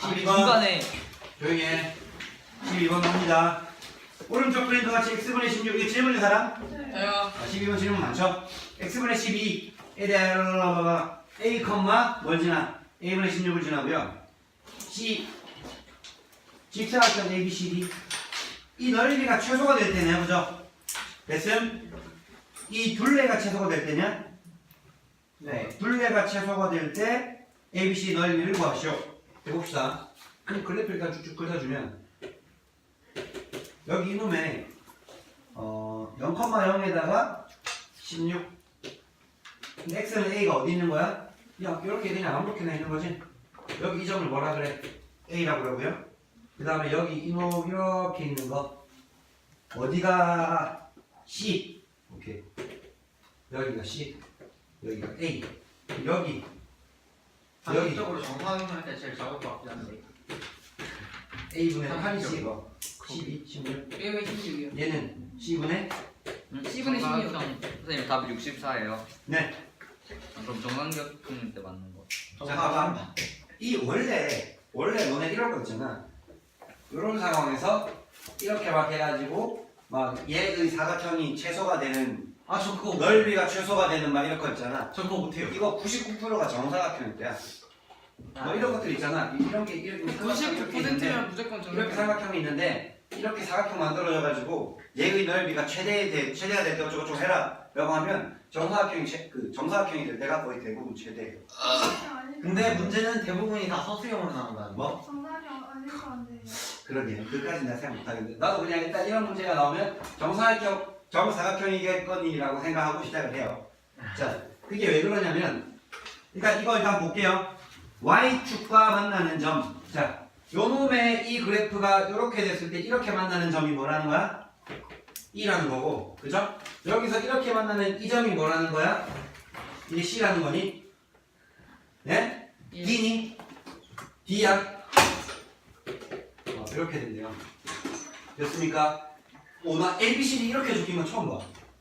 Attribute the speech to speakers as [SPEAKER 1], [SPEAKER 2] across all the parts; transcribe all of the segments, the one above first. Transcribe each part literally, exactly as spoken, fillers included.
[SPEAKER 1] 십이 번
[SPEAKER 2] 중간에
[SPEAKER 1] 조용히 해. 십이 번 갑니다. 오른쪽 그림과 같이 x분의 십육 이게 질문인 사람?
[SPEAKER 3] 저요.
[SPEAKER 1] 아, 십이 번 질문 많죠? x분의 십이에 대한 a, 뭘 지나? a분의 십육을 지나고요. c 직사각형 a, b, c, d 이 넓이가 최소가 될 때는 해보죠. 됐음? 이 둘레가 최소가 될 때냐? 네, 둘레가 최소가 될 때 a, b, c 넓이를 구하시오. 해봅시다. 그럼 그래프 일단 쭉쭉 긁어주면 여기 이놈에 어, 영, 영에다가 십육 근데 x는 a가 어디 있는 거야? 야, 이렇게 그냥 아무렇게나 있는 거지? 여기 이 점을 뭐라 그래? a라고 그러고요. 그 다음에 여기 이놈 이렇게 있는 거 어디가 c 오케이 여기가 c 여기가 a 여기 여기
[SPEAKER 2] 상식적으로 정사각형일 때 제일 작을 것 같긴 한데
[SPEAKER 1] a분의 팔이 c가 십이, 십육
[SPEAKER 3] 왜 십육이요?
[SPEAKER 1] 얘는 c분의
[SPEAKER 3] C분의 십육.
[SPEAKER 2] 선생님 답이 육십사예요.
[SPEAKER 1] 네.
[SPEAKER 2] 그럼 정삼각형 때 맞는 거.
[SPEAKER 1] 자, 봐봐. 이 원래 원래 너네 이런 거 있잖아. 이런 상황에서 이렇게 막 해가지고 막 얘의 사각형이 최소가 되는
[SPEAKER 4] 아 저 그거
[SPEAKER 1] 넓이가 최소가 되는 막 이런 거 있잖아.
[SPEAKER 4] 저 그거 못해요.
[SPEAKER 1] 이거 구십구 퍼센트가 정사각형일 때야. 뭐 이런 것들 있잖아. 이런 게 이렇게
[SPEAKER 3] 구십구 퍼센트면 무조건 정답.
[SPEAKER 1] 이렇게 사각형이 있는데 이렇게 사각형 만들어져가지고 얘의 넓이가 최대 돼 최대가 될 때 어쩌고저쩌고 해라라고 하면 정사각형이 최, 그 정사각형이 될 때가 거의 대부분 최대예요.
[SPEAKER 4] 근데 문제는 대부분이 다 서술형으로 나온다는 거.
[SPEAKER 1] 뭐?
[SPEAKER 5] 정답이 아니면 안 돼요.
[SPEAKER 1] 그러게 그까지 내가 생각 못하겠는데 나도 그냥 일단 이런 문제가 나오면 정사각형 정사각형이겠거니라고 생각하고 시작을 해요. 자 그게 왜 그러냐면 일단 이거 일단 볼게요. y축과 만나는 점. 자 요놈의 이 그래프가 이렇게 됐을 때 이렇게 만나는 점이 뭐라는 거야? E라는 거고 그죠? 여기서 이렇게 만나는 이 점이 뭐라는 거야? 이게 C라는 거니? 네?
[SPEAKER 3] 예.
[SPEAKER 1] D니? D야? 어, 이렇게 된대요. 됐습니까? 오, 나 A, B, C, D 이렇게 적힌 건 처음 봐.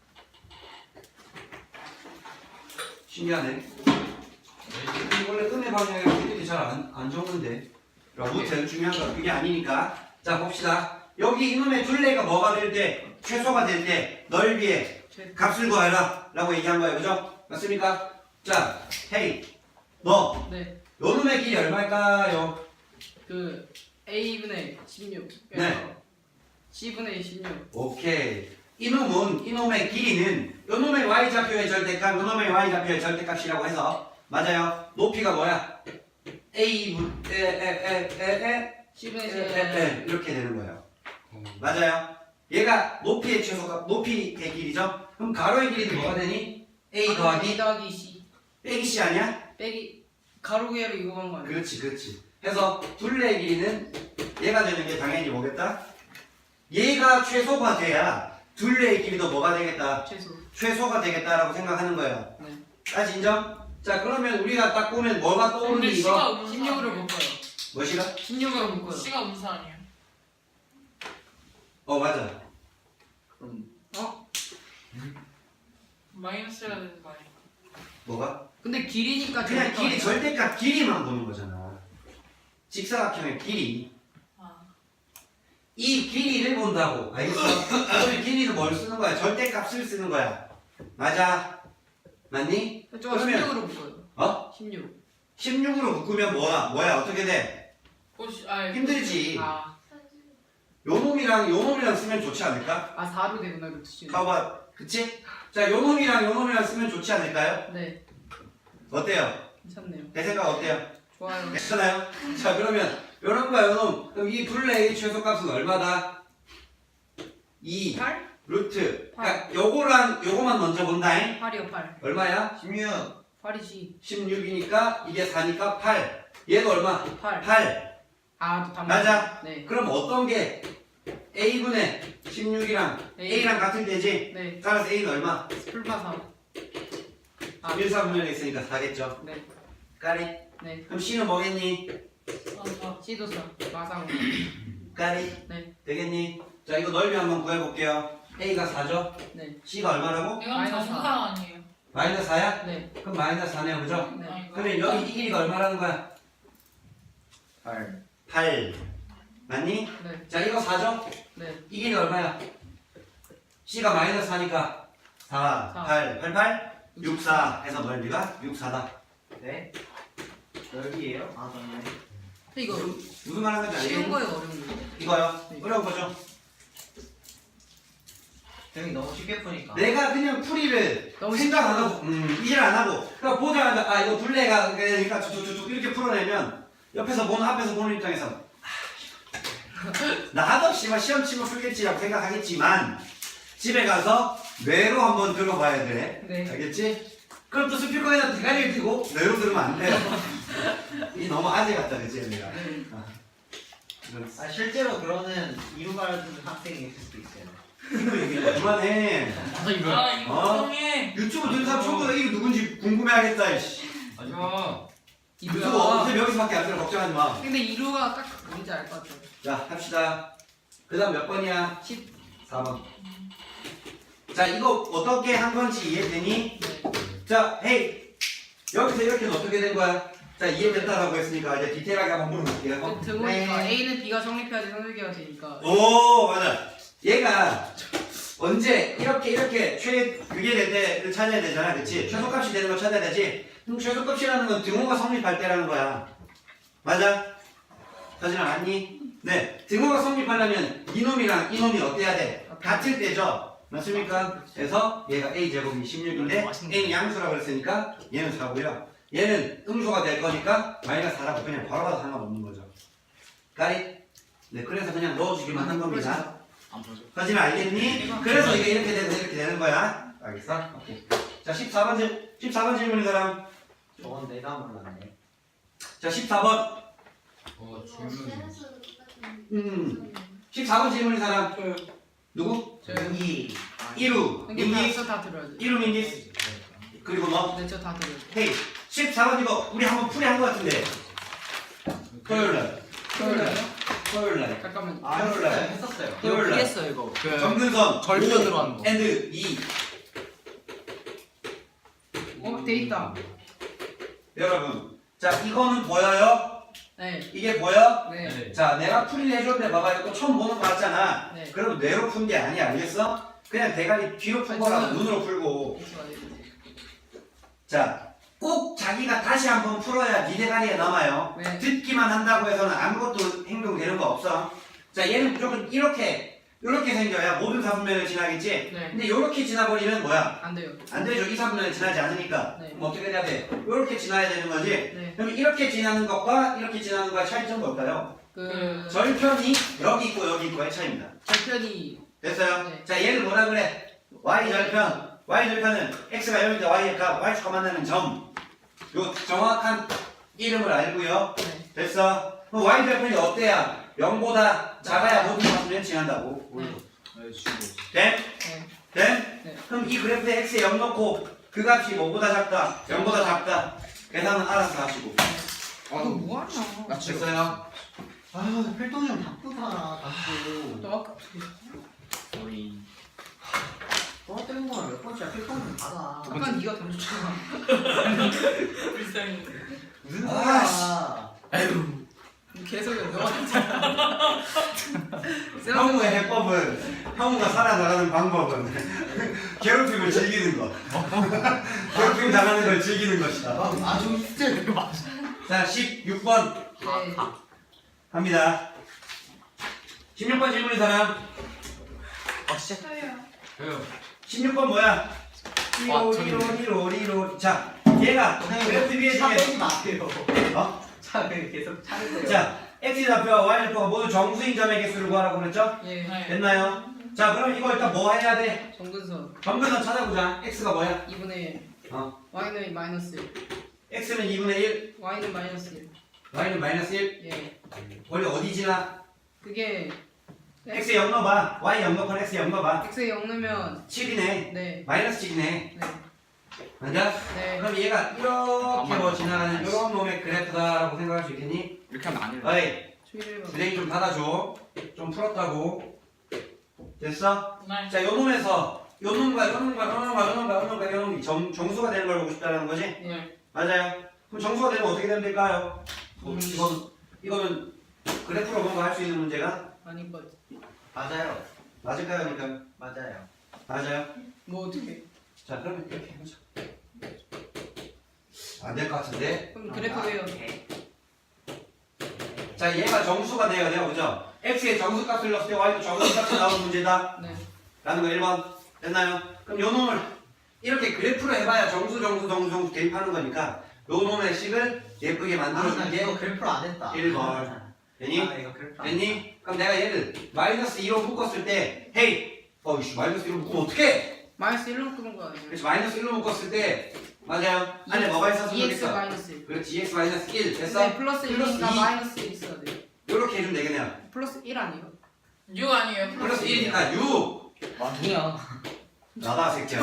[SPEAKER 1] 신기하네. 원래 음의 방향이 우리들이 잘 안 안 적는데. 아무튼 중요한 건 그게 아니니까. 자, 봅시다. 여기 이놈의 둘레가 뭐가 될 때, 최소가 될 때, 넓이의 값을 구하라. 라고 얘기한 거예요. 그죠? 맞습니까? 자, 헤이. 너,
[SPEAKER 3] 네.
[SPEAKER 1] 요놈의 길이 얼마일까요?
[SPEAKER 3] 그 A분의 십육.
[SPEAKER 1] 네.
[SPEAKER 3] C분의 십육.
[SPEAKER 1] 오케이. 이놈은, 이놈의 길이는 요놈의 y좌표의 절대값, 요놈의 y좌표의 절대값이라고 해서 맞아요. 높이가 뭐야? A, 에, 에, 에, 에, 에,
[SPEAKER 3] C분의
[SPEAKER 1] 에,
[SPEAKER 3] 십육.
[SPEAKER 1] 에, 에, 이렇게 되는 거예요. 맞아요. 얘가 높이의 최소값, 높이의 길이죠? 그럼 가로의 길이는 뭐가 되니? A
[SPEAKER 3] A
[SPEAKER 1] 더하기
[SPEAKER 3] 더하기 C.
[SPEAKER 1] 빼기 C 아니야?
[SPEAKER 3] 빼기 가로 구해로 이거 한 거 아니에요?
[SPEAKER 1] 그렇지, 그렇지. 해서 둘레의 길이는 얘가 되는 게 당연히 뭐겠다? 얘가 최소가 돼야 둘레의 길이도 뭐가 되겠다?
[SPEAKER 3] 최소.
[SPEAKER 1] 최소가 되겠다라고 생각하는 거예요.
[SPEAKER 3] 네.
[SPEAKER 1] 까지 인정? 자, 그러면 우리가 딱 보면 뭐가 떠오르니
[SPEAKER 6] 근데
[SPEAKER 1] 이거?
[SPEAKER 6] C가 음수
[SPEAKER 3] 십육으로
[SPEAKER 6] 아니에요?
[SPEAKER 3] 묶어요.
[SPEAKER 1] 뭐시가?
[SPEAKER 3] 십육으로 묶어요.
[SPEAKER 6] C가 음수 아니에요?
[SPEAKER 1] 어, 맞아.
[SPEAKER 2] 그럼
[SPEAKER 3] 어?
[SPEAKER 6] 마이너스가 되는 거 아니에요?
[SPEAKER 1] 뭐가?
[SPEAKER 3] 근데 길이니까
[SPEAKER 1] 그냥
[SPEAKER 3] 절대값
[SPEAKER 1] 길이
[SPEAKER 3] 아니에요?
[SPEAKER 1] 절대값 길이만 보는 거잖아. 직사각형의 길이.
[SPEAKER 6] 아,
[SPEAKER 1] 이 길이를 본다고. 알겠어? 그러면 길이는 뭘 쓰는 거야? 절대값을 쓰는 거야. 맞아. 맞니?
[SPEAKER 3] 저
[SPEAKER 1] 그러면-
[SPEAKER 3] 십육으로 묶어요.
[SPEAKER 1] 어?
[SPEAKER 3] 십육.
[SPEAKER 1] 십육으로 묶으면 뭐야? 뭐야? 어떻게 돼?
[SPEAKER 6] 꽃이 아
[SPEAKER 1] 힘들지.
[SPEAKER 3] 아,
[SPEAKER 1] 요 놈이랑 요 놈이랑 쓰면 좋지 않을까?
[SPEAKER 3] 아 사로 되구나 이거 수준.
[SPEAKER 1] 봐봐. 그치? 자, 요 놈이랑 요 놈이랑 쓰면 좋지 않을까요?
[SPEAKER 3] 네,
[SPEAKER 1] 어때요?
[SPEAKER 3] 괜찮네요.
[SPEAKER 1] 내 생각 어때요?
[SPEAKER 3] 좋아요.
[SPEAKER 1] 괜찮아요? 자, 그러면 요런 거야, 요 놈. 그럼 이 둘레의 최소값은 얼마다? 이
[SPEAKER 3] 팔?
[SPEAKER 1] 루트. 그러니까 요거랑 요거만 먼저 본다잉.
[SPEAKER 3] 팔이요 팔.
[SPEAKER 1] 얼마야?
[SPEAKER 4] 십육.
[SPEAKER 3] 팔이지.
[SPEAKER 1] 십육이니까 이게 사니까 팔. 얘도 얼마?
[SPEAKER 3] 팔.
[SPEAKER 1] 팔.
[SPEAKER 3] 아, 또 다
[SPEAKER 1] 맞아.
[SPEAKER 3] 네.
[SPEAKER 1] 그럼 어떤 게 A분의 십육이랑
[SPEAKER 3] A.
[SPEAKER 1] A랑 같은 되지?
[SPEAKER 3] 네.
[SPEAKER 1] 따라서 A는 얼마?
[SPEAKER 3] 풀파 사. 아,
[SPEAKER 1] 일, 사분면에 있으니까 사겠죠.
[SPEAKER 3] 네.
[SPEAKER 1] 까리.
[SPEAKER 3] 네.
[SPEAKER 1] 그럼 C는 뭐겠니?
[SPEAKER 6] 아,
[SPEAKER 3] C도 사. 마상.
[SPEAKER 1] 까리.
[SPEAKER 3] 네.
[SPEAKER 1] 되겠니? 자, 이거 넓이 한번 구해볼게요. A가 사죠?
[SPEAKER 3] 네.
[SPEAKER 1] C가 얼마라고?
[SPEAKER 6] 이건
[SPEAKER 3] 마이너스
[SPEAKER 6] 정상 아니에요?
[SPEAKER 1] 마이너스 사야?
[SPEAKER 3] 네.
[SPEAKER 1] 그럼 마이너스 사네요, 그죠?
[SPEAKER 3] 네.
[SPEAKER 6] 아, 이거.
[SPEAKER 1] 그러면 여기 이 길이가 얼마라는 거야?
[SPEAKER 2] 팔.
[SPEAKER 1] 팔. 맞니?
[SPEAKER 3] 네.
[SPEAKER 1] 자, 이거 사죠?
[SPEAKER 3] 네.
[SPEAKER 1] 이 길이 얼마야? C가 마이너스 사니까 사,
[SPEAKER 3] 사.
[SPEAKER 1] 팔, 팔, 팔, 육, 사 해서 넓이가 육, 사다.
[SPEAKER 4] 네. 넓이에요? 아 맞네.
[SPEAKER 3] 근데 이거
[SPEAKER 1] 무슨, 무슨 말 하는 건지
[SPEAKER 3] 쉬운
[SPEAKER 1] 알겠니?
[SPEAKER 3] 거예요, 어려운 거예요?
[SPEAKER 1] 이거요?
[SPEAKER 3] 네.
[SPEAKER 1] 어려운 거죠?
[SPEAKER 4] 형이 너무 쉽게 푸니까.
[SPEAKER 1] 내가 그냥 풀이를
[SPEAKER 3] 너무
[SPEAKER 1] 생각 안
[SPEAKER 3] 쉽다.
[SPEAKER 1] 하고, 음, 이질 안 하고, 그러니까 보자마자, 아, 이거 둘레가, 그러니까 쭉쭉쭉 이렇게 풀어내면, 옆에서 보는, 앞에서 보는 입장에서, 아, 나도 씨발 시험 치면 풀겠지라고 생각하겠지만, 집에 가서 뇌로 한번 들어봐야 돼.
[SPEAKER 3] 네.
[SPEAKER 1] 알겠지? 그럼 또 스피커에다 대가리를 펴고 뇌로 들으면 안 돼요. 이 너무 아재 같다, 그치, 내가.
[SPEAKER 3] 네.
[SPEAKER 1] 아, 이런
[SPEAKER 4] 아 실제로 그러는 이루 가르치는 학생이 있을 수도 있어요.
[SPEAKER 1] 이거 얘기 그만해.
[SPEAKER 6] 아 이거
[SPEAKER 1] 어?
[SPEAKER 6] 형이.
[SPEAKER 1] 유튜브 듣는 사람 전부 다 이게 누군지 궁금해하겠다. 이씨.
[SPEAKER 6] 아니야.
[SPEAKER 1] 유튜브
[SPEAKER 3] 이루가.
[SPEAKER 1] 어차피 여기서밖에 안 들어 걱정하지 마.
[SPEAKER 3] 근데 이루가 딱 뭔지 알 것 같아요.
[SPEAKER 1] 자 합시다. 그다음 몇 번이야?
[SPEAKER 3] 십사
[SPEAKER 1] 번. 자 이거 어떻게 한 건지 이해되니?
[SPEAKER 3] 네.
[SPEAKER 1] 자 헤이 여기서 이렇게는 어떻게 된 거야? 자 이해됐다라고 했으니까 이제 디테일하게 한번 물어볼게요.
[SPEAKER 3] 들어보니까
[SPEAKER 4] 네.
[SPEAKER 3] A는 B가 성립해야지 성립계가 되니까.
[SPEAKER 1] 오 맞아. 얘가 언제 이렇게 이렇게 최 그게 될 때를 찾아야 되잖아, 그렇지? 최소값이 되는 걸 찾아야 되지. 그럼 최소값이라는 건 등호가 성립할 때라는 거야. 맞아? 사진아 맞니? 네. 등호가 성립하려면 이놈이랑 이놈이 어때야 돼? 같을 때죠. 맞습니까? 그래서 얘가 a 제곱이 십육인데 a는 양수라고 그랬으니까 얘는 사고요. 얘는 음수가 될 거니까 마이너스 사라고 그냥 바로 봐도 상관없는 거죠. 까리? 네. 그래서 그냥 넣어주기만 한 겁니다.
[SPEAKER 2] 안 보죠.
[SPEAKER 1] 사진 알겠니? 그래서 이게 이렇게 되고 이렇게 되는 거야. 알겠어? 오케이. 자, 십사 번 질, 십사 번 질문인 사람.
[SPEAKER 4] 저건 내가 몰랐네.
[SPEAKER 1] 자, 십사 번.
[SPEAKER 6] 어
[SPEAKER 1] 음. 십사 번 질문인 사람.
[SPEAKER 6] 저요.
[SPEAKER 1] 누구?
[SPEAKER 3] 저
[SPEAKER 4] 여기.
[SPEAKER 1] 이루.
[SPEAKER 3] 근데
[SPEAKER 1] 민기.
[SPEAKER 3] 다, 다 들어야지.
[SPEAKER 1] 이루 민기. 그리고 너.
[SPEAKER 3] 네, 저다 들어요.
[SPEAKER 1] 헤이. 십사 번 이거 우리 한번 풀이한 거 같은데. 토요일 날. 토요일 날. 토요일 날.
[SPEAKER 3] 잠깐만.
[SPEAKER 4] 아
[SPEAKER 1] 토요일 날.
[SPEAKER 4] 했어요. 했었어요.
[SPEAKER 1] 토요일 날.
[SPEAKER 2] 피했어 이거. 그
[SPEAKER 1] 정근선.
[SPEAKER 2] 절편으로 하는 거.
[SPEAKER 1] 엔드 이.
[SPEAKER 3] 어, 돼 있다.
[SPEAKER 1] 여러분. 자, 이거는 보여요?
[SPEAKER 3] 네.
[SPEAKER 1] 이게 보여?
[SPEAKER 3] 네.
[SPEAKER 1] 자, 내가 풀이를 해줬는데 봐봐. 이거 처음 보는 거 같잖아.
[SPEAKER 3] 네.
[SPEAKER 1] 그럼 뇌로 푼 게 아니야. 알겠어? 그냥 대가리 뒤로 푼
[SPEAKER 3] 아니,
[SPEAKER 1] 거라고
[SPEAKER 3] 저는-
[SPEAKER 1] 눈으로 풀고.
[SPEAKER 3] 이거 아니에요.
[SPEAKER 1] 자, 꼭 자기가 다시 한번 풀어야 네 대가리에 남아요.
[SPEAKER 3] 네.
[SPEAKER 1] 듣기만 한다고 해서는 아무것도 행동되는 거 없어. 자, 얘는 무조건 이렇게, 이렇게 생겨야 모든 사분면을 지나겠지?
[SPEAKER 3] 네.
[SPEAKER 1] 근데 이렇게 지나버리면 뭐야?
[SPEAKER 3] 안 돼요.
[SPEAKER 1] 안 되죠. 이 사분면을 지나지 않으니까.
[SPEAKER 3] 네.
[SPEAKER 1] 그럼 어떻게 해야 돼? 이렇게 지나야 되는 거지?
[SPEAKER 3] 네.
[SPEAKER 1] 그럼 이렇게 지나는 것과 이렇게 지나는 것의 차이점은 뭘까요?
[SPEAKER 3] 그
[SPEAKER 1] 절편이 여기 있고 여기 있고의 차이입니다.
[SPEAKER 3] 절편이
[SPEAKER 1] 됐어요?
[SPEAKER 3] 네.
[SPEAKER 1] 자, 얘를 뭐라 그래? y 절편. y 절편은 x가 영인데 y의 값, y축과 만나는 점. 요 정확한 이름을 알고요.
[SPEAKER 3] 네.
[SPEAKER 1] 됐어? 그럼 y 절편이 어때야? 영보다 작아야 모든 사분면 지난다고.
[SPEAKER 3] 네.
[SPEAKER 1] 됨?
[SPEAKER 3] 네.
[SPEAKER 1] 됨?
[SPEAKER 3] 네.
[SPEAKER 1] 그럼 이 그래프에 x에 영 넣고 그 값이 뭐보다 작다? 영보다 작다. 계산은 알아서 하시고.
[SPEAKER 3] 아, 너 뭐하냐?
[SPEAKER 1] 됐어요?
[SPEAKER 4] 아 필동이 형 바쁘다. 자꾸.
[SPEAKER 3] 너 아까
[SPEAKER 2] 우리
[SPEAKER 4] 떠드는 거랑 몇 번째야 필동이 형 받아.
[SPEAKER 3] 아까 네가 던졌잖아.
[SPEAKER 6] 불쌍해.
[SPEAKER 4] 무슨
[SPEAKER 1] 아,
[SPEAKER 4] 소리야?
[SPEAKER 3] 계속 너가 던졌잖아.
[SPEAKER 1] 형우의 해법은 형우가 살아나가는 방법은 괴롭힘을 즐기는 것. 괴롭힘 당하는 걸 즐기는 것이다.
[SPEAKER 4] 아 저기 진짜 이거 맞아.
[SPEAKER 1] 자, 십육 번
[SPEAKER 3] 네.
[SPEAKER 1] 갑니다. 십육 번 질문인 사람.
[SPEAKER 5] 저요.
[SPEAKER 1] 십육 번 뭐야?
[SPEAKER 2] 아,
[SPEAKER 1] 리로 리로 리로 리로. 자, 얘가 그래프 위에
[SPEAKER 4] 차
[SPEAKER 1] 중에
[SPEAKER 4] 빼지 마세요.
[SPEAKER 1] 어?
[SPEAKER 4] 차를 계속 차세요.
[SPEAKER 1] 자, x 좌표와 y 좌표가 모두 정수인 점의 개수를 구하라고 그랬죠?
[SPEAKER 3] 예.
[SPEAKER 6] 네.
[SPEAKER 1] 됐나요? 자, 그럼 이거 일단 뭐 해야 돼?
[SPEAKER 3] 정근선
[SPEAKER 1] 정근선 찾아보자. x가 뭐야?
[SPEAKER 3] 이분의 일.
[SPEAKER 1] 어.
[SPEAKER 3] y는 마이너스 일.
[SPEAKER 1] x는 이분의 일,
[SPEAKER 3] y는 마이너스 일.
[SPEAKER 1] y는 마이너스 일.
[SPEAKER 3] 예.
[SPEAKER 1] 원래 어디 지나?
[SPEAKER 3] 그게
[SPEAKER 1] x 영 넣어봐. y 영 넣고 x 영 넣어봐.
[SPEAKER 3] x에 영 넣으면
[SPEAKER 1] 칠이네.
[SPEAKER 3] 네.
[SPEAKER 1] 마이너스 칠이네.
[SPEAKER 3] 네.
[SPEAKER 1] 맞아?
[SPEAKER 3] 네.
[SPEAKER 1] 그럼 얘가 이렇게 뭐 지나가는 이런 놈의 그래프다라고 생각할 수 있겠니?
[SPEAKER 2] 이렇게 하면 안 돼.
[SPEAKER 1] 어이,
[SPEAKER 3] 추이를
[SPEAKER 1] 부대기 좀 닫아줘. 좀 풀었다고. 됐어?
[SPEAKER 6] 네.
[SPEAKER 1] 자, 요 놈에서 요 놈과 요 놈과 요 놈과 요 놈과 요 놈과 요 놈이 정, 정수가 되는 걸 보고 싶다라는 거지?
[SPEAKER 3] 예.
[SPEAKER 6] 네.
[SPEAKER 1] 맞아요. 그럼 정수가 되면 어떻게 되면 될까요? 뭐,
[SPEAKER 3] 음.
[SPEAKER 1] 이거는, 이거는 그래프로 뭔가 할 수 있는 문제가
[SPEAKER 3] 아닌 것 같아.
[SPEAKER 4] 맞아요.
[SPEAKER 1] 맞을까요? 그러니까
[SPEAKER 4] 맞아요.
[SPEAKER 1] 맞아요.
[SPEAKER 3] 뭐 어떻게?
[SPEAKER 1] 자 그러면 이렇게 해보자. 안 될 것 같은데.
[SPEAKER 3] 그럼 그래프 외워.
[SPEAKER 1] 자 얘가 정수가 돼야 돼요, 그죠? x의 정수값을 넣었을 때 y도 정수값이 나오는 문제다.
[SPEAKER 3] 네.
[SPEAKER 1] 라는 거 일 번 됐나요? 그럼 요 놈을 이렇게 그래프로 해봐야 정수 정수 정수 정수 대입하는 거니까 요 놈의 식을 예쁘게
[SPEAKER 4] 아, 나
[SPEAKER 1] 만들어준 게
[SPEAKER 4] 이거 그래프로 안 했다.
[SPEAKER 1] 일 번. 되니?
[SPEAKER 4] 아, 이거 그래프로 안
[SPEAKER 1] 됐니? 그럼 내가 얘를 마이너스 이로 묶었을 때 헤이! 어이씨 마이너스 이로 묶으면 어떡해?
[SPEAKER 3] 마이너스 일로 끄는 거 아니에요?
[SPEAKER 1] 그렇지 마이너스 일로 묶었을 때 맞아요 안에 뭐가 있었으면
[SPEAKER 3] 이엑스
[SPEAKER 1] 좋겠어
[SPEAKER 3] 마이너스 일.
[SPEAKER 1] 그렇지 이엑스 마이너스 일 됐어?
[SPEAKER 3] 근데 플러스
[SPEAKER 1] 플러스
[SPEAKER 3] 일이니까
[SPEAKER 1] 이.
[SPEAKER 3] 마이너스 일 있어야 돼.
[SPEAKER 1] 요렇게 해주면 되겠네요
[SPEAKER 3] 플러스 일 아니에요?
[SPEAKER 6] 육 아니에요?
[SPEAKER 1] 플러스 일이니까 육!
[SPEAKER 2] 아니야.
[SPEAKER 1] 나다 새끼야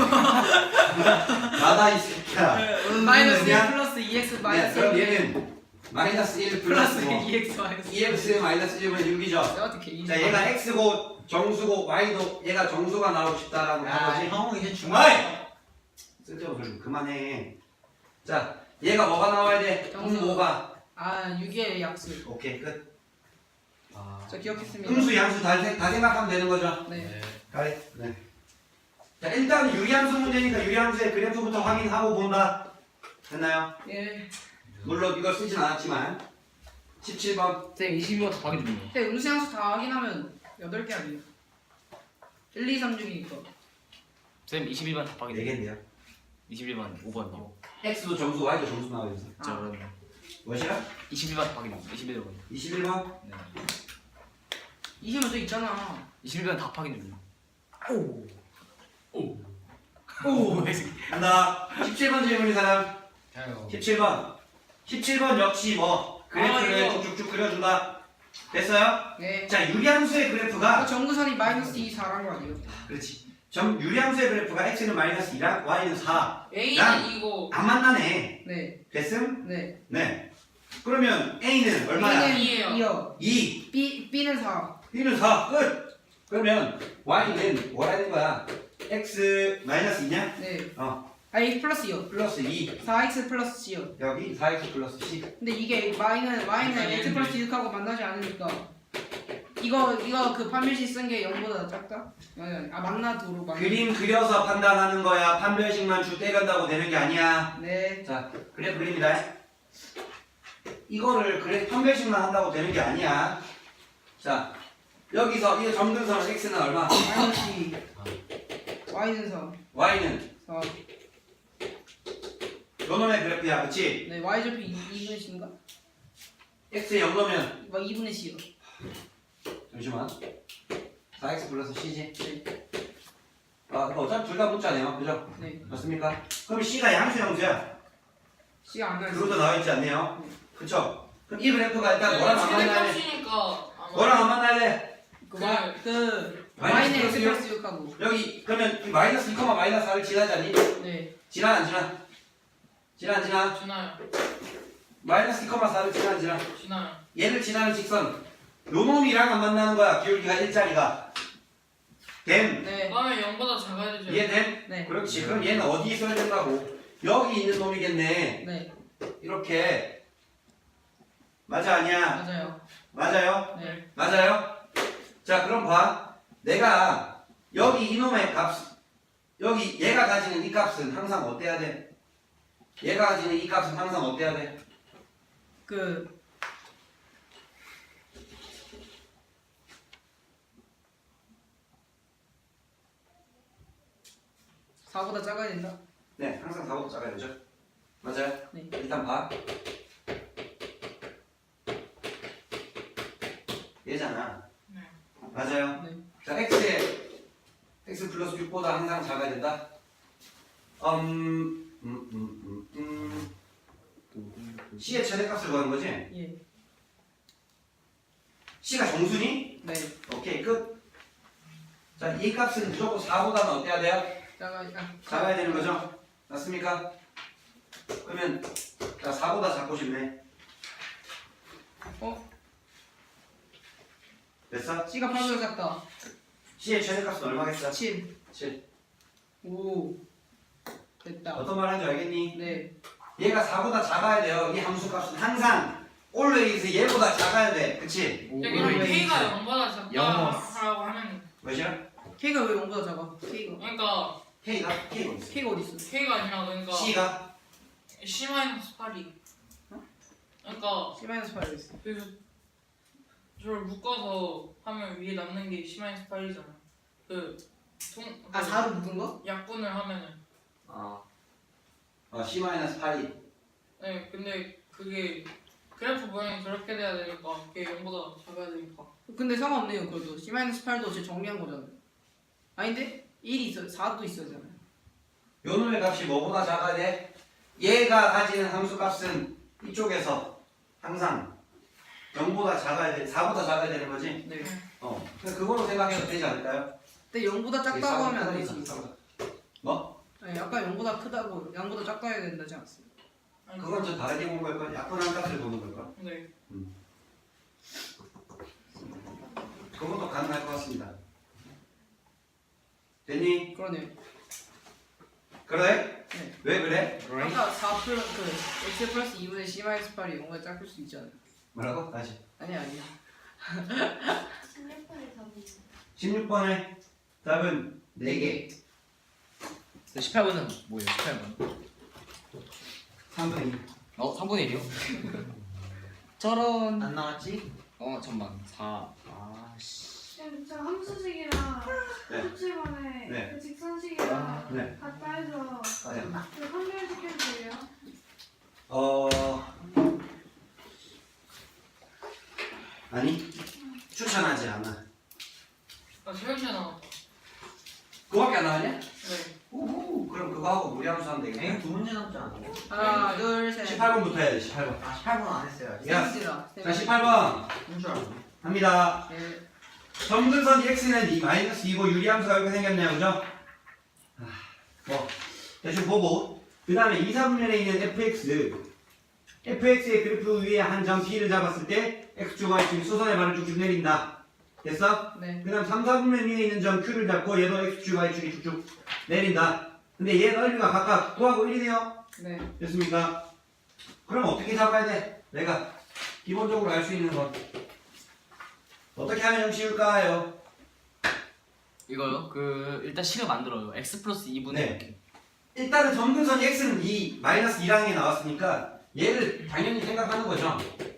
[SPEAKER 1] 나다 이 새끼야
[SPEAKER 3] 마이너스 일
[SPEAKER 1] 그냥-
[SPEAKER 3] 플러스 이엑스
[SPEAKER 1] 네,
[SPEAKER 3] 마이너스
[SPEAKER 1] 그럼
[SPEAKER 3] 일.
[SPEAKER 1] 얘는 마이너스 일
[SPEAKER 3] 플러스
[SPEAKER 1] 플러스 뭐
[SPEAKER 3] 이엑스 마이너스 일.
[SPEAKER 1] 이엑스 마이너스 일분의 육이죠
[SPEAKER 3] 내가 어떻게 이?
[SPEAKER 1] 자 얘가 x고 정수고 y도 얘가 정수가 나오고 싶다라고
[SPEAKER 4] 야,
[SPEAKER 1] 한 거지
[SPEAKER 4] 형 이제
[SPEAKER 1] 중화이!
[SPEAKER 4] 중화이.
[SPEAKER 1] 쓸데없는 소리 좀 그만해 자 얘가 뭐가 나와야 돼?
[SPEAKER 3] 정수.
[SPEAKER 1] 음오가
[SPEAKER 3] 아 육의 약수.
[SPEAKER 1] 오케이 끝
[SPEAKER 2] 아.
[SPEAKER 3] 저 기억했습니다.
[SPEAKER 1] 음수 양수 다, 생- 다 생각하면 되는 거죠
[SPEAKER 3] 네.
[SPEAKER 1] 가리 네. 자 일단 유리함수 문제니까 유리함수의 그래프부터 확인하고 본다 됐나요?
[SPEAKER 3] 예.
[SPEAKER 1] 물론 이걸 쓰진 않았지만 십칠 번
[SPEAKER 2] 쌤 이십이 번 답하기 중이에요.
[SPEAKER 3] 근데 음수양수 다 확인하면 여덟 개 아니에요? 일, 이, 삼 중이니까.
[SPEAKER 2] 쌤 이십일 번 답하기
[SPEAKER 1] 네
[SPEAKER 2] 중이에요.
[SPEAKER 1] 개인데요
[SPEAKER 2] 이십일 번 오 번요.
[SPEAKER 1] x도 정수 y도 정수 나와야 돼서
[SPEAKER 3] 아.
[SPEAKER 2] 저는
[SPEAKER 1] 무엇이야?
[SPEAKER 2] 이십일 번 답하기 중이에요. 이십일 번.
[SPEAKER 1] 이십일 번
[SPEAKER 2] 네.
[SPEAKER 3] 이십은 또 있잖아.
[SPEAKER 2] 이십일 번 답하기 중이에요. 오. 오.
[SPEAKER 1] 오 간다 십칠 번 질문인 사람
[SPEAKER 6] 저요.
[SPEAKER 1] 십칠 번 십칠 번 역시 뭐 그래프를
[SPEAKER 3] 아, 이거.
[SPEAKER 1] 쭉쭉쭉 그려준다 됐어요?
[SPEAKER 3] 네.
[SPEAKER 1] 자 유리함수의
[SPEAKER 3] 그
[SPEAKER 1] 그래프가
[SPEAKER 3] 정구선이 마이너스 이, 사란 거 아니에요?
[SPEAKER 1] 그렇지 점 유리함수의 그래프가 x는 마이너스 이랑 y는 사 안
[SPEAKER 6] A는 이거
[SPEAKER 1] 만나네
[SPEAKER 3] 네.
[SPEAKER 1] 됐음?
[SPEAKER 3] 네.
[SPEAKER 1] 네 그러면 a는 얼마야?
[SPEAKER 3] A는
[SPEAKER 6] 이예요.
[SPEAKER 3] 이요.
[SPEAKER 1] 이
[SPEAKER 3] B, B는 사.
[SPEAKER 1] b는 사 끝! 그러면 y는 뭐라는 거야? x 마이너스 이냐?
[SPEAKER 3] 네.
[SPEAKER 1] 어
[SPEAKER 3] 아, x 플러스 이요.
[SPEAKER 1] 플러스 이
[SPEAKER 3] 사 엑스 플러스 C요.
[SPEAKER 1] 여기 사 엑스 플러스 c
[SPEAKER 3] 근데 이게 y는 y는 x 플러스 육하고 만나지 않으니까 이거 이거 그 판별식 쓴 게 영보다 작다? 아니 아니. 아 만나도록 만나.
[SPEAKER 1] 그림 그려서 판단하는 거야 판별식만 줄 때간다고 되는 게 아니야
[SPEAKER 3] 네.
[SPEAKER 1] 자 그래 그립니다 이거를 그래 판별식만 한다고 되는 게 아니야 자 여기서 이 점근선 x는 얼마?
[SPEAKER 3] 마이너스 이. y는 사.
[SPEAKER 1] y는
[SPEAKER 3] 사.
[SPEAKER 1] 요 놈의 그래프야 그치?
[SPEAKER 3] 네. y 절편 이분의 c인가?
[SPEAKER 1] x에 영 넣으면
[SPEAKER 3] 뭐 이분의 c요.
[SPEAKER 1] 잠시만 사 엑스 플러스 c지
[SPEAKER 3] 네.
[SPEAKER 1] 아 근데 어차피 둘 다 문자네요 그죠?
[SPEAKER 3] 네.
[SPEAKER 1] 맞습니까? 그럼 c가 양수 양수야
[SPEAKER 3] c가 안 나요.
[SPEAKER 1] 그것도 나와있지 않네요 그쵸? 그럼 이 그래프가 일단 뭐랑 안 만나야 돼?
[SPEAKER 6] 최대값이니까
[SPEAKER 1] 뭐랑 안 만나야 돼?
[SPEAKER 3] 그, 마, 그
[SPEAKER 1] 마이너스
[SPEAKER 3] y는 x
[SPEAKER 1] 플러스요?
[SPEAKER 3] 플러스 육하고.
[SPEAKER 1] 여기 그러면 이 마이너스 이, 마이너스 사를 지나자니?
[SPEAKER 3] 네.
[SPEAKER 1] 지나 안 지나? 지나 안 지나?
[SPEAKER 6] 지나요.
[SPEAKER 1] 마이너스 이, 사를 지나 안 지나?
[SPEAKER 6] 지나요.
[SPEAKER 1] 얘를 지나는 직선 요 놈이랑 안 만나는 거야 기울기가 일자리가 됨
[SPEAKER 3] 네.
[SPEAKER 6] 그다음에 영보다 작아야 되죠.
[SPEAKER 1] 이해됨?
[SPEAKER 3] 네.
[SPEAKER 1] 그렇지 그럼 얘는 어디 있어야 된다고? 여기 있는 놈이겠네
[SPEAKER 3] 네.
[SPEAKER 1] 이렇게 맞아 아니야?
[SPEAKER 3] 맞아요.
[SPEAKER 1] 맞아요?
[SPEAKER 3] 네.
[SPEAKER 1] 맞아요? 자 그럼 봐 내가 여기 이놈의 값 여기 얘가 가지는 이 값은 항상 어때야 돼? 얘가 가지는 이 값은 항상 어때야 돼?
[SPEAKER 3] 그 사보다 작아야 된다.
[SPEAKER 1] 네 항상 사보다 작아야 되죠 맞아요?
[SPEAKER 3] 네.
[SPEAKER 1] 일단 봐 얘잖아
[SPEAKER 6] 네.
[SPEAKER 1] 맞아요?
[SPEAKER 3] 네.
[SPEAKER 1] 자 x에 x 플러스 육보다 항상 작아야 된다 음... 음... 음... 음... 음... c의 최대값을 구하는 거지?
[SPEAKER 3] 예.
[SPEAKER 1] c가 정수니?
[SPEAKER 3] 네.
[SPEAKER 1] 오케이 끝. 자, 이 값은 무조건 사보다는 어때야 돼요?
[SPEAKER 3] 작아. 아,
[SPEAKER 1] 작아야 되는 거죠? 맞습니까? 그러면 자 사보다 작고 싶네.
[SPEAKER 3] 어?
[SPEAKER 1] 됐어?
[SPEAKER 3] C가 팔보다 작다.
[SPEAKER 1] c의 최대값은 얼마겠어?
[SPEAKER 3] 칠.
[SPEAKER 1] 칠.
[SPEAKER 3] 오. 됐다.
[SPEAKER 1] 어떤 말 하는지 알겠니?
[SPEAKER 3] 네.
[SPEAKER 1] 얘가 사보다 작아야 돼요. 이 함수 값은 항상 always 얘보다 작아야 돼. 그치?
[SPEAKER 2] 오,
[SPEAKER 6] 그럼
[SPEAKER 2] always.
[SPEAKER 6] K가 영보다 작다
[SPEAKER 2] 영어.
[SPEAKER 6] 하라고 하면
[SPEAKER 1] 몇이야?
[SPEAKER 3] K가 왜 영보다 작아? K가
[SPEAKER 6] 그러니까
[SPEAKER 1] K가? K가 어딨어?
[SPEAKER 3] K가 어디 있어?
[SPEAKER 6] K가 아니라 그러니까
[SPEAKER 1] C가?
[SPEAKER 6] C 마이너스 팔이
[SPEAKER 3] 어?
[SPEAKER 6] 그러니까
[SPEAKER 3] C 마이너스 팔 있어.
[SPEAKER 6] 그래서 저를 묶어서 하면 위에 남는 게 C 마이너스 팔이잖아. 그 동,
[SPEAKER 3] 아
[SPEAKER 6] 그
[SPEAKER 3] 사로 묶은 거?
[SPEAKER 6] 약분을 하면은
[SPEAKER 1] 어. 어, C 마이너스 팔이.
[SPEAKER 6] 네 근데 그게 그래프 모양이 그렇게 돼야 되니까 그게 영보다 작아야 되니까
[SPEAKER 3] 근데 상관없네요. 그래도 C 마이너스 팔도 제 정리한 거잖아요. 아닌데 일이 있어, 사도 있어잖아요.
[SPEAKER 1] 요 놈의 값이 뭐보다 작아야 돼? 얘가 가지는 함수 값은 이쪽에서 항상 영보다 작아야 돼. 사보다 작아야 되는 거지?
[SPEAKER 3] 네.
[SPEAKER 1] 어. 그냥 그걸로 생각해도 되지 않을까요?
[SPEAKER 3] 근데 영보다 작다고 하면 안 되지.
[SPEAKER 1] 뭐?
[SPEAKER 3] 아니 아까 영보다 크다고 양보다 작다 해야 된다지 않았어요?
[SPEAKER 6] 아니,
[SPEAKER 1] 그건 좀 다르게 본 걸걸? 약분한 값을 보는 걸걸?
[SPEAKER 6] 네
[SPEAKER 1] 그것도 가능할 것 같습니다. 됐니?
[SPEAKER 3] 그러네요.
[SPEAKER 1] 그래?
[SPEAKER 3] 네.
[SPEAKER 1] 왜 그래?
[SPEAKER 2] Right?
[SPEAKER 3] 아까 사 플러스 그 x 플러스 이분의 C 마이너스 팔이 영보다 작을 수 있잖아요.
[SPEAKER 1] 뭐라고? 다시.
[SPEAKER 3] 아니 아니야.
[SPEAKER 5] 십육 번의 답이
[SPEAKER 1] 십육 번의 답은 네 개.
[SPEAKER 2] 십팔 번은 뭐예요? 십팔 번.
[SPEAKER 1] 삼분의 이.
[SPEAKER 2] 어, 삼분의 일이요? 저런.
[SPEAKER 4] 안 나왔지?
[SPEAKER 2] 어, 잠만. 사. 아, 씨.
[SPEAKER 5] 쌤, 저 함수식이랑
[SPEAKER 1] 네.
[SPEAKER 5] 수치번에
[SPEAKER 1] 네.
[SPEAKER 5] 그 직선식이랑
[SPEAKER 1] 네.
[SPEAKER 5] 같다 해서
[SPEAKER 1] 네.
[SPEAKER 5] 그 판별시켜도 돼요?
[SPEAKER 1] 어... 아니 추천하지 않아.
[SPEAKER 6] 아 세현씨가 나왔다
[SPEAKER 1] 그거밖에 안 나왔냐?
[SPEAKER 6] 네
[SPEAKER 1] 오호 그럼 그거 하고 무리함수 하면
[SPEAKER 4] 에이
[SPEAKER 1] 되겠네.
[SPEAKER 4] 두 문제 남지 않았고?
[SPEAKER 3] 하나 둘 셋.
[SPEAKER 1] 십팔 번부터 해야 돼. 십팔 번.
[SPEAKER 4] 아 십팔 번 안 했어요 아직.
[SPEAKER 1] 야.
[SPEAKER 3] 셋이라.
[SPEAKER 1] 자 십팔 번
[SPEAKER 4] 한줄 알았네.
[SPEAKER 1] 합니다.
[SPEAKER 3] 네.
[SPEAKER 1] 점근선 x는 이 마이너스 이고 유리함수가 이렇게 생겼네요. 그죠? 아, 뭐 대충 보고 그 다음에 이, 사분면에 있는 fx fx의 그래프 위에 한 점 p를 잡았을 때 x축 y축이 수선의 반을 쭉쭉 내린다. 됐어?
[SPEAKER 3] 네.
[SPEAKER 1] 그 다음 삼, 사분면 위에 있는 점 q를 잡고 얘도 x축 y축이 쭉쭉 내린다. 근데 얘 넓이가 각각 구하고 일이네요.
[SPEAKER 3] 네.
[SPEAKER 1] 됐습니까? 그럼 어떻게 잡아야 돼? 내가 기본적으로 알 수 있는 건 어떻게 하면 좀 쉬울까요?
[SPEAKER 2] 이거요? 그 일단 식을 만들어요. x 플러스 이분의
[SPEAKER 1] 네.
[SPEAKER 2] 이렇게.
[SPEAKER 1] 일단은 점근선이 x는 이 마이너스 이라는 게 나왔으니까 얘를 당연히 생각하는 거죠.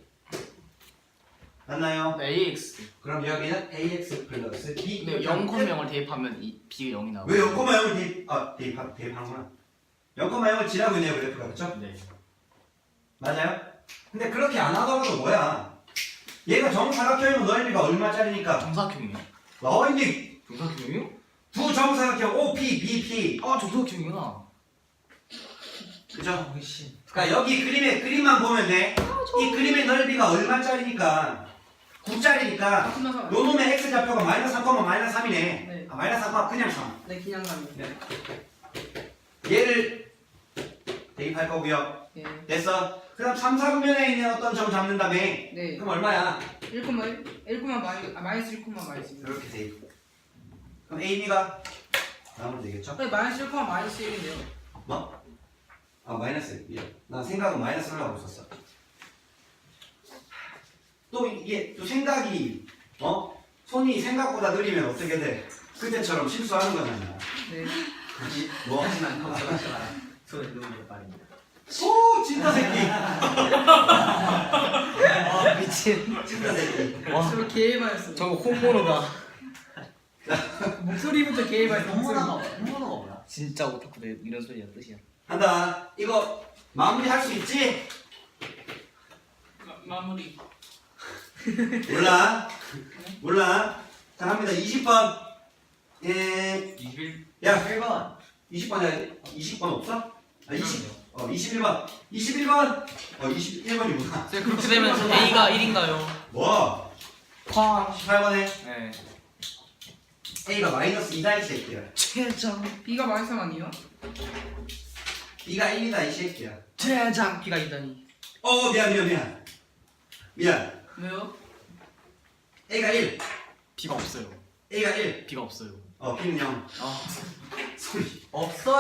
[SPEAKER 1] 맞나요?
[SPEAKER 2] ax.
[SPEAKER 1] 그럼 여기는 ax 플러스 b.
[SPEAKER 2] 근데 영, 영을 대입하면 이 b가 영이 나오고.
[SPEAKER 1] 왜 영, 영을 대입, 아, 대입, 대입하는구나. 영, 영을 지나고 있네요, 그래프가. 그쵸?
[SPEAKER 2] 네.
[SPEAKER 1] 맞아요? 근데 그렇게 안 하더라도 뭐야? 얘가 정사각형이면 넓이가 얼마짜리니까?
[SPEAKER 2] 정사각형이요?
[SPEAKER 1] 어, 근데
[SPEAKER 2] 정사각형이요?
[SPEAKER 1] 두 정사각형 O P, B P.
[SPEAKER 2] 아, 정사각형이구나.
[SPEAKER 1] 그죠?
[SPEAKER 4] 씨.
[SPEAKER 1] 그러니까 여기 그림의 그림만 보면 돼. 이 그림의 넓이가 얼마짜리니까 구짜리니까
[SPEAKER 3] 끝나서.
[SPEAKER 1] 요 놈의 x 좌표가 마이너스 삼, 마이너스 삼이네.
[SPEAKER 3] 네.
[SPEAKER 1] 아, 마이너스 삼, 그냥 삼.
[SPEAKER 3] 네 그냥 가면.
[SPEAKER 1] 얘를 대입할 거고요.
[SPEAKER 3] 네.
[SPEAKER 1] 됐어. 그다음 삼, 사분면에 있는 어떤 점 잡는 다음에
[SPEAKER 3] 네.
[SPEAKER 1] 그럼 얼마야?
[SPEAKER 3] 일, 일 마이너스 아 마이너스 일 마이너스 일.
[SPEAKER 1] 이렇게 대입. 그럼 A, B가 나오면 되겠죠?
[SPEAKER 3] 네 마이너스 일 마이너스 일인데요.
[SPEAKER 1] 뭐? 아 마이너스 일. 난 생각은 마이너스를 하고 있었어. 또 이게 또 생각이 어? 손이 생각보다 느리면 어떻게 돼? 그때처럼 실수하는 거잖아.
[SPEAKER 3] 네.
[SPEAKER 1] 그치? 뭐?
[SPEAKER 4] 하지만 걱정하지 마라. 손에 누우면 빠릅니다.
[SPEAKER 1] 오! 진짜 새끼!
[SPEAKER 2] 아, 미친.
[SPEAKER 1] 진짜 새끼.
[SPEAKER 3] 저거 개해봐였어.
[SPEAKER 2] 저거 홈모노다.
[SPEAKER 3] 목소리부터 개해봐였어.
[SPEAKER 4] 홍문화가 홍문화가 뭐야?
[SPEAKER 2] 진짜 오타쿠다 이런 소리야 뜻이야.
[SPEAKER 1] 한다. 이거 마무리 할 수 있지?
[SPEAKER 6] 마, 마무리
[SPEAKER 1] 몰라. 몰라. 자, 합니다. 이십 번. 예.
[SPEAKER 2] 이십일.
[SPEAKER 1] 야,
[SPEAKER 4] 일 번.
[SPEAKER 1] 이십 번 해야 돼? 이십 번 없어? 아, 이십. 어, 이십일 번. 이십일 번. 어, 이십일 번이구나.
[SPEAKER 2] 쌤 그렇게 되면 a가 일인가요?
[SPEAKER 1] 뭐?
[SPEAKER 2] 쾅.
[SPEAKER 1] 십팔 번에
[SPEAKER 2] 네.
[SPEAKER 1] A가 마이너스 이다 이 새끼야.
[SPEAKER 2] 최장.
[SPEAKER 3] B가 마이너스 삼 아니에요?
[SPEAKER 1] B가 일이다 이 새끼야.
[SPEAKER 2] 최장. b가 이다니.
[SPEAKER 1] 어, 미안, 미안, 미안. 미안.
[SPEAKER 3] 왜요?
[SPEAKER 1] A가 일.
[SPEAKER 2] b가 없어요.
[SPEAKER 1] A가 일.
[SPEAKER 2] b가 없어요.
[SPEAKER 1] 어, B는 영.
[SPEAKER 2] 아.
[SPEAKER 1] 소리.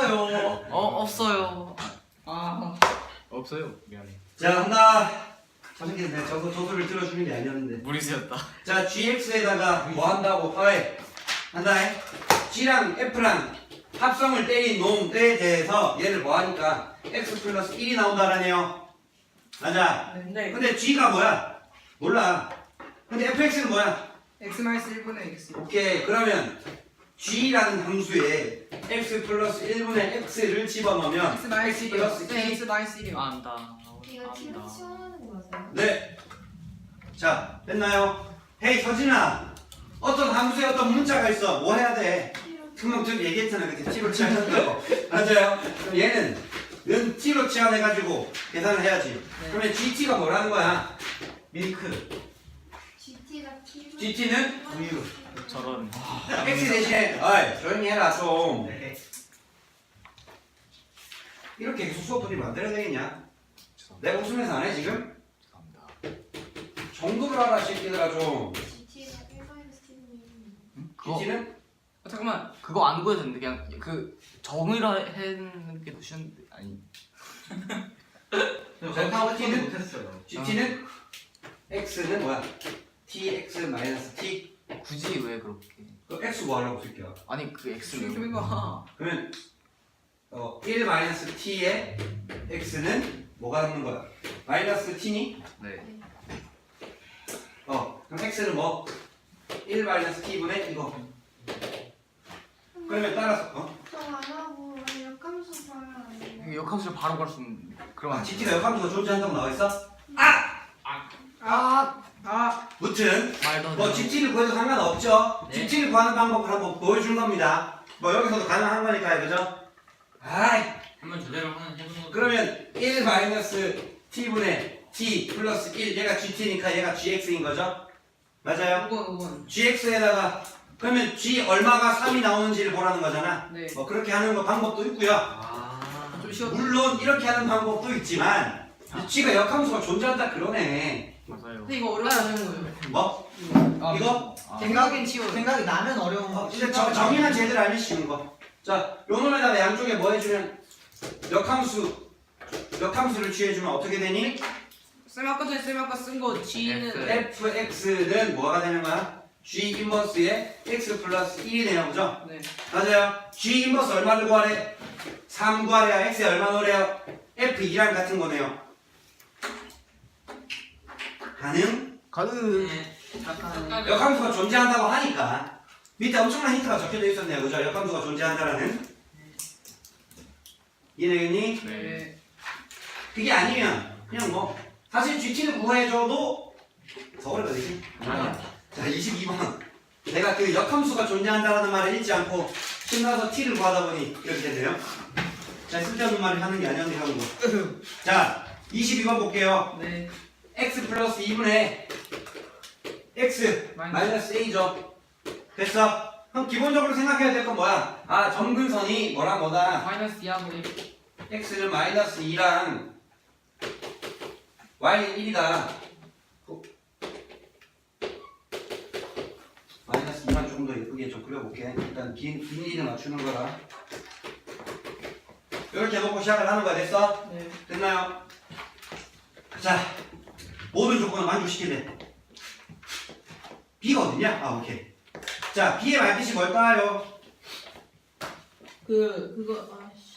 [SPEAKER 4] 없어요.
[SPEAKER 2] 어 없어요.
[SPEAKER 3] 아
[SPEAKER 2] 없어요. 미안해.
[SPEAKER 1] 자, 한다. 저 새끼는 내가 저거 저소를 들어주는 게 아니었는데.
[SPEAKER 2] 무리수였다.
[SPEAKER 1] 자, 지엑스에다가 뭐 한다고? 어이, 한다. 해. G랑 F랑 합성을 때린 놈에 대해서 얘를 뭐 하니까 x 플러스 일이 나온다라네요. 맞아.
[SPEAKER 6] 네.
[SPEAKER 1] 근데 G가 뭐야? 몰라. 근데 에프엑스는 뭐야?
[SPEAKER 3] x 마이너스 일분의 x.
[SPEAKER 1] 오케이. 그러면 G라는 함수에 x 플러스 일분의 x를 집어넣으면
[SPEAKER 3] x 마이너스 일이요.
[SPEAKER 1] 플러스
[SPEAKER 3] 네,
[SPEAKER 1] 이.
[SPEAKER 3] x 마이너스 일이요.
[SPEAKER 2] 안다.
[SPEAKER 5] 이거 뒤로 치워하는 거 맞아요?
[SPEAKER 1] 네. 자, 됐나요? 헤이 서진아. 어떤 함수에 어떤 문자가 있어. 뭐 해야 돼? 금방 좀 얘기했잖아. 그때 T로 치환한다고. 맞아요. 그럼 얘는 는 T로 치환해가지고 계산을 해야지. 그러면 지티가 뭐라는 거야? 밀크.
[SPEAKER 5] 지티가 T.
[SPEAKER 1] 지티는 우유.
[SPEAKER 2] 저런.
[SPEAKER 1] X 대신에 어이 조용히 해라 좀.
[SPEAKER 4] 네.
[SPEAKER 1] 이렇게 계속 수업들이 만들어야 되겠냐? 내가 웃으면서 안 해 지금?
[SPEAKER 2] 죄송합니다.
[SPEAKER 1] 정도를 알아 새끼들아 좀.
[SPEAKER 5] 지티가 일 마이너스 T분의
[SPEAKER 2] 응? 그거
[SPEAKER 1] 지티는?
[SPEAKER 3] 어, 잠깐만.
[SPEAKER 2] 그거 안 구해도 되는데 그냥 그 정의라 했는 게 더 쉬운데 아니.
[SPEAKER 4] 저 T는 못했어요.
[SPEAKER 1] 지티는? X는 뭐야? tx 마이너스 t.
[SPEAKER 2] 굳이 왜 그렇게?
[SPEAKER 1] 그 x 뭐 하려고 쓸게요?
[SPEAKER 2] 아니 그 X를
[SPEAKER 3] 좀 해봐.
[SPEAKER 1] 그러면 어, 일 마이너스 t의 x는 뭐가 남는 거야? 마이너스 t니?
[SPEAKER 2] 네.
[SPEAKER 1] 어 그럼 x는 뭐? 일 마이너스 t분의 이거. 그러면 따라서 어?
[SPEAKER 5] 저안 하고 역함수 봐야 안 돼요.
[SPEAKER 2] 역함수를 바로 갈 수 있는 그러면
[SPEAKER 1] 아,
[SPEAKER 2] 안 돼.
[SPEAKER 1] 지티가 역함수가 존재한다고 나와 있어?
[SPEAKER 3] 아, 아,
[SPEAKER 1] 무튼
[SPEAKER 2] 말도 안
[SPEAKER 1] 뭐
[SPEAKER 2] 돼.
[SPEAKER 1] 지티를 구해도 상관없죠?
[SPEAKER 2] 네.
[SPEAKER 1] 지티를 구하는 방법을 한번 보여준 겁니다. 뭐 여기서도 가능한 거니까요, 그죠? 아이
[SPEAKER 6] 한번 제대로 하는 해보는 거.
[SPEAKER 1] 그러면 일 마이너스 t분의 t 플러스 일 얘가 gt니까 얘가 gx인 거죠? 맞아요?
[SPEAKER 3] 오 번, 오 번.
[SPEAKER 1] gx에다가 그러면 g 얼마가 삼이 나오는지를 보라는 거잖아.
[SPEAKER 3] 네.
[SPEAKER 1] 뭐 그렇게 하는 거 방법도 있고요.
[SPEAKER 4] 아.
[SPEAKER 3] 좀 쉬웠다.
[SPEAKER 1] 물론 이렇게 하는 방법도 있지만 이 g가 역함수가 존재한다 그러네.
[SPEAKER 2] 맞아요.
[SPEAKER 3] 근데 이거 어렵지 않은 거예요.
[SPEAKER 1] 뭐?
[SPEAKER 2] 아,
[SPEAKER 1] 이거?
[SPEAKER 2] 아,
[SPEAKER 3] 생각엔 치워.
[SPEAKER 4] 생각이 나면 어려운
[SPEAKER 1] 어,
[SPEAKER 4] 거.
[SPEAKER 1] 이제 정, 정의만 제대로 알면 쉬운 거. 자, 요 놈에다가 양쪽에 뭐 해주면 역함수 역함수를 취해주면 어떻게 되니?
[SPEAKER 3] 쌤 아까 전에 쌤 아까 쓴 거 G는
[SPEAKER 2] F.
[SPEAKER 1] fx는 뭐가 되는 거야? g 인버스에 x 플러스 일이 되는 거죠?
[SPEAKER 3] 네.
[SPEAKER 1] 맞아요. g 인버스 얼마를 구하래? 삼 구하래야 x에 얼마 넣으래요? 에프 이랑 같은 거네요. 가능?
[SPEAKER 2] 가는.
[SPEAKER 6] 네.
[SPEAKER 3] 잠깐.
[SPEAKER 1] 역함수가 존재한다고 하니까 밑에 엄청난 힌트가 적혀져 있었네요. 그죠? 역함수가 존재한다라는. 이해되겠니?
[SPEAKER 2] 네.
[SPEAKER 3] 네.
[SPEAKER 1] 그게 아니면 그냥 뭐 사실 gt를 구해줘도 더 어렵거든요.
[SPEAKER 2] 아니야.
[SPEAKER 1] 자, 이십이 번. 내가 그 역함수가 존재한다는 말을 읽지 않고 신나서 t를 구하다 보니 이렇게 되네요. 자, 쓸데없는 말을 하는 게 아니었는데 하는 거. 자, 이십이 번 볼게요.
[SPEAKER 3] 네.
[SPEAKER 1] x 플러스 이분의 x 마이너스 a죠. 됐어? 그럼 기본적으로 생각해야 될 건 뭐야? 아, 점근선이 뭐랑 뭐다?
[SPEAKER 3] 마이너스 이하고 일.
[SPEAKER 1] x는 마이너스 이랑 y는 일이다. 마이너스 이만 조금 더 예쁘게 좀 그려볼게. 일단 긴, 긴 일을 맞추는 거라. 이렇게 놓고 시작을 하는 거야. 됐어?
[SPEAKER 3] 네.
[SPEAKER 1] 됐나요? 자, 모든 조건을 만족시키래. b가 어딨냐? 아, 오케이. 자, b의 말뜻이 뭘까요?
[SPEAKER 3] 그 그거 아씨.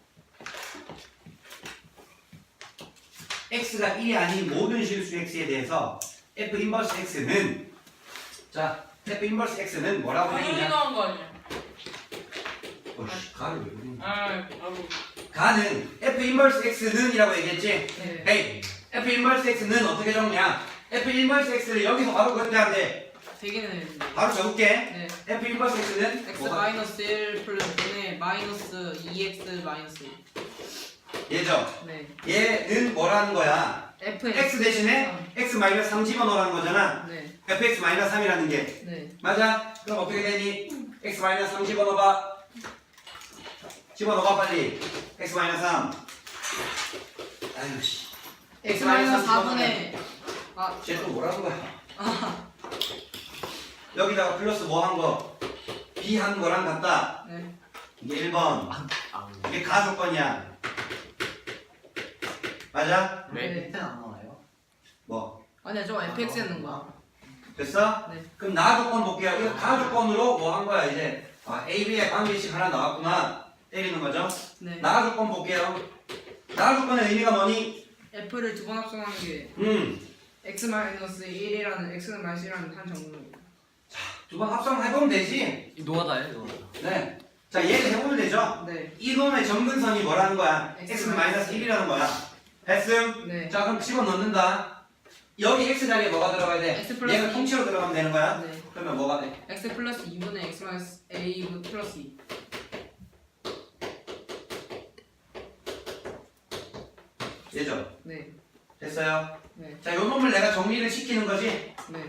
[SPEAKER 1] x가 일이 아닌 모든 실수 x에 대해서 f 인버스 x는 자, f 인버스 x는 뭐라고
[SPEAKER 6] 당연히
[SPEAKER 1] 되겠냐?
[SPEAKER 6] 나온 거 아니야?
[SPEAKER 1] 어씨, 가를 왜 그러냐?
[SPEAKER 6] 아, 아이고.
[SPEAKER 1] 가는 f 인버스 x는 이라고 얘기했지?
[SPEAKER 3] 네.
[SPEAKER 1] 에이, f 인버스 x는 어떻게 적냐? f 인버스 x를 여기서 바로 그렇게 하는데
[SPEAKER 3] 되기는 했는데.
[SPEAKER 1] 바로 적을게.
[SPEAKER 3] 네.
[SPEAKER 1] f 인버스 x는
[SPEAKER 3] x
[SPEAKER 1] 뭐가?
[SPEAKER 3] 마이너스 일 플러스 분의 마이너스 이 엑스 마이너스 일.
[SPEAKER 1] 얘죠?
[SPEAKER 3] 네.
[SPEAKER 1] 얘는 뭐라는 거야?
[SPEAKER 3] f
[SPEAKER 1] x 대신에 x 마이너스 삼 집어넣으라는 거잖아.
[SPEAKER 3] 네.
[SPEAKER 1] fx 마이너스 삼이라는 게
[SPEAKER 3] 네.
[SPEAKER 1] 맞아? 그럼 어떻게 되니? x 마이너스 삼 집어넣어봐. 집어넣어봐 빨리. x 마이너스 삼. 아유 씨.
[SPEAKER 3] x 마이너스 사분의 아,
[SPEAKER 1] 쟤또 뭐라는 거야?
[SPEAKER 3] 아,
[SPEAKER 1] 여기다가 플러스 뭐 한 거? b 한 거랑 같다.
[SPEAKER 3] 네.
[SPEAKER 1] 이게 일 번.
[SPEAKER 2] 아,
[SPEAKER 1] 이게 가조건이야. 맞아?
[SPEAKER 2] 네.
[SPEAKER 4] 밑에는 안 나와요.
[SPEAKER 1] 뭐
[SPEAKER 3] 아니야 저거 에프엑스였는 거야.
[SPEAKER 1] 됐어?
[SPEAKER 3] 네.
[SPEAKER 1] 그럼 나 조건 볼게요. 이거 다 조건으로 뭐 한 거야 이제 아, A, B의 관계식 하나 나왔구나 때리는 거죠.
[SPEAKER 3] 네.
[SPEAKER 1] 나 조건 볼게요. 나 조건의 의미가 뭐니?
[SPEAKER 3] F를 두 번 합성하는 게
[SPEAKER 1] 음,
[SPEAKER 3] x 마이너스 일이라는 x는 마이너스 일이라는 한 정도입니다.
[SPEAKER 1] 두 번 합성해보면 되지.
[SPEAKER 2] 이 노가다예요 노가다.
[SPEAKER 1] 네. 자 얘를 해보면 되죠.
[SPEAKER 3] 네.
[SPEAKER 1] 이놈의 점근선이 뭐라는 거야?
[SPEAKER 3] X
[SPEAKER 1] x는 마이너스 일이라는 거야. 됐음?
[SPEAKER 3] 네.
[SPEAKER 1] 자 그럼 집어넣는다. 여기 x 자리에 뭐가 들어가야 돼?
[SPEAKER 3] X 플러스
[SPEAKER 1] 얘가
[SPEAKER 3] 이.
[SPEAKER 1] 통째로 들어가면 되는 거야?
[SPEAKER 3] 네.
[SPEAKER 1] 그러면 뭐가 돼?
[SPEAKER 3] x 플러스 이분의 x 마이너스 a 플러스 이.
[SPEAKER 1] 얘죠?
[SPEAKER 3] 네.
[SPEAKER 1] 됐어요?
[SPEAKER 3] 네.
[SPEAKER 1] 자, 요 놈을 내가 정리를 시키는 거지?
[SPEAKER 3] 네.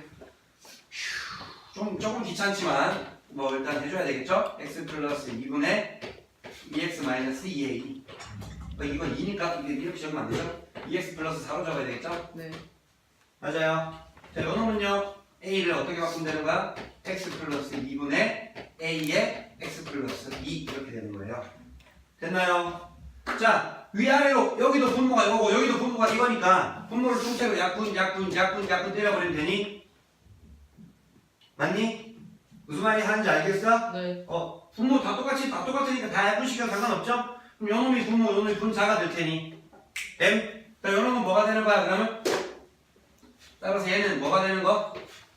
[SPEAKER 1] 좀, 조금 귀찮지만, 뭐, 일단 해줘야 되겠죠? x 플러스 이분의 이 엑스 마이너스 이 에이. 어, 이건 이니까 이게 이렇게 적으면 안 되죠? 이 엑스 플러스 사로 적어야 되겠죠?
[SPEAKER 3] 네.
[SPEAKER 1] 맞아요. 자, 요 놈은요, a를 어떻게 바꾸면 되는 거야? x 플러스 이분의 a의 x 플러스 이 이렇게 되는 거예요. 됐나요? 자, 위아래로 여기도 분모가 이거고 여기도 분모가 이거니까 분모를 통째로 약분, 약분, 약분, 약분 때려버리면 되니? 맞니? 무슨 말이 하는지 알겠어?
[SPEAKER 3] 네.
[SPEAKER 1] 어, 분모 다 똑같이 다 똑같으니까 다 약분시켜도 상관없죠? 그럼 요 놈이 분모, 요 놈이 분자가 될 테니 M? 자, 요 놈은 뭐가 되는 거야 그러면? 따라서 얘는 뭐가 되는 거?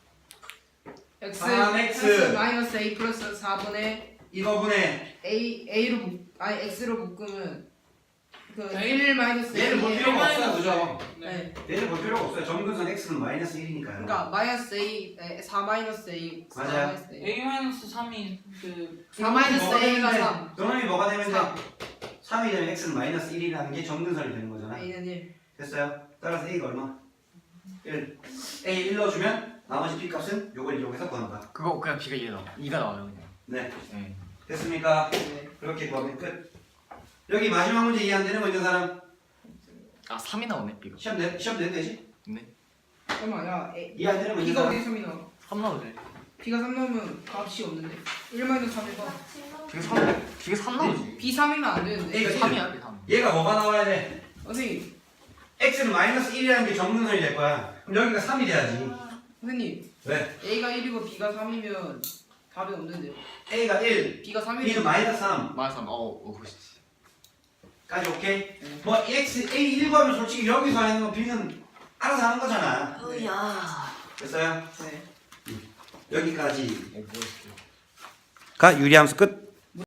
[SPEAKER 3] x
[SPEAKER 1] 삼 엑스.
[SPEAKER 3] x 마이너스 a 플러스 사분의
[SPEAKER 1] 이거분의
[SPEAKER 3] a a로 묶 아니 x로 묶으면 그
[SPEAKER 6] A?
[SPEAKER 3] 일 마이너스
[SPEAKER 1] 얘를 볼
[SPEAKER 3] a
[SPEAKER 1] 필요가 없어요, 그죠?
[SPEAKER 3] 네.
[SPEAKER 1] 얘를 볼 필요가 없어요. 점근선 x는 마이너스 일이니까요.
[SPEAKER 3] 그러니까 마이너스 a 에, 사 마이너스 a 사
[SPEAKER 1] 맞아요.
[SPEAKER 3] 마이너스 a
[SPEAKER 6] A 마이너스 삼이 그
[SPEAKER 3] 사 마이너스
[SPEAKER 1] 뭐가
[SPEAKER 3] a가
[SPEAKER 1] 되는데,
[SPEAKER 3] 삼
[SPEAKER 1] 요놈이 뭐가 되면
[SPEAKER 3] 삼.
[SPEAKER 1] 돼? 삼이 되면 x는 마이너스 일이라는 게 점근선이 되는 거잖아.
[SPEAKER 3] a는 일
[SPEAKER 1] 됐어요? 따라서 a가 얼마? 일. a 일 넣어주면 나머지 b 값은 요걸 이용해서 구한다.
[SPEAKER 2] 그거 그냥 B가 이가 나와. 이가 나와요 그냥.
[SPEAKER 1] 네.
[SPEAKER 2] 네.
[SPEAKER 1] 됐습니까?
[SPEAKER 3] 네.
[SPEAKER 1] 그렇게 구하면 끝. 여기 마지막 문제 이해 안 되는 거 있는 사람?
[SPEAKER 2] 아 삼이 나오네 B가.
[SPEAKER 1] 시험 내, 시험 내면 되지?
[SPEAKER 2] 네.
[SPEAKER 3] 잠깐만 야 a
[SPEAKER 1] 이해 안 되는 거 있는
[SPEAKER 3] b가
[SPEAKER 1] 사람?
[SPEAKER 3] 어디 삼이 나와
[SPEAKER 2] 삼 나오네.
[SPEAKER 3] b가 삼 나오면 값이 없는데 일 마이너스 삼 봐
[SPEAKER 2] B가 삼. B가 삼 나오지.
[SPEAKER 3] b 삼이면 안 되는데
[SPEAKER 1] A가
[SPEAKER 2] 삼이야 B 삼.
[SPEAKER 1] 얘가 뭐가 나와야 돼?
[SPEAKER 3] 선생님
[SPEAKER 1] x는 마이너스 일이라는 게 점근선이 될 거야. 그럼 여기가 삼이 돼야지.
[SPEAKER 3] 선생님
[SPEAKER 1] 왜?
[SPEAKER 3] a가 일이고 b가 삼이면 답이 없는데요
[SPEAKER 1] a가 일,
[SPEAKER 3] b가 삼이면
[SPEAKER 1] b는 마이너스 삼.
[SPEAKER 2] 마이너스 삼. 어, 어, 그렇지.
[SPEAKER 1] 까지 오케이?
[SPEAKER 3] 네.
[SPEAKER 1] 뭐 x, a 일 구하면 솔직히 여기서 하는 거 b는 알아서 하는 거잖아.
[SPEAKER 2] 으야.
[SPEAKER 1] 됐어요?
[SPEAKER 3] 네
[SPEAKER 1] 여기까지.
[SPEAKER 2] 어, 뭐였어?
[SPEAKER 1] 가 유리함수 끝.